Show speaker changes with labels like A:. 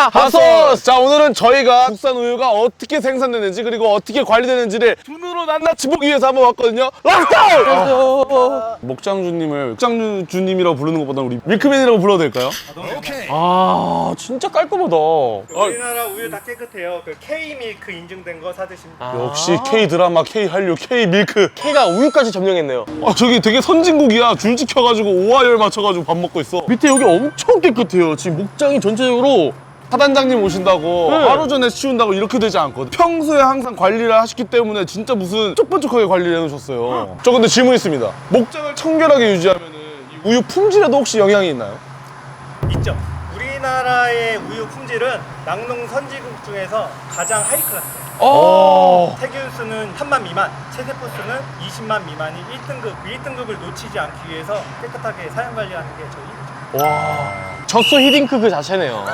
A: 핫소스! 자, 오늘은 저희가 국산 우유가 어떻게 생산되는지 그리고 어떻게 관리되는지를 눈으로 낱낱이 보기 위해서 한번 왔거든요. 락다운! 목장주님을 목장주님이라고 부르는 것보다 우리 밀크맨이라고 불러도 될까요?
B: 오케이.
A: 아, 진짜 깔끔하다.
B: 우리나라 우유 다 깨끗해요. 그 K-밀크 인증된 거 사드시면 돼요.
A: 역시 K-드라마, K-한류, K-밀크.
C: K가 우유까지 점령했네요.
A: 저기 되게 선진국이야. 줄 지켜가지고 오하열 맞춰가지고 밥 먹고 있어. 밑에 여기 엄청 깨끗해요. 지금 목장이 전체적으로 사단장님 오신다고 하루 전에 치운다고 이렇게 되지 않거든. 평소에 항상 관리를 하시기 때문에 진짜 무슨 쩍번쩍하게 관리를 해놓으셨어요. 저 근데 질문 있습니다. 목장을 청결하게 유지하면 이 우유 품질에도 혹시 영향이 있나요?
B: 있죠. 우리나라의 우유 품질은 낙농 선진국 중에서 가장 하이 클래스예요. 세균수는 3만 미만, 체세포 수는 20만 미만이 1등급, 1등급을 놓치지 않기 위해서 깨끗하게 사용 관리하는 게 저희 일이죠.
C: 젖소 히딩크 그 자체네요.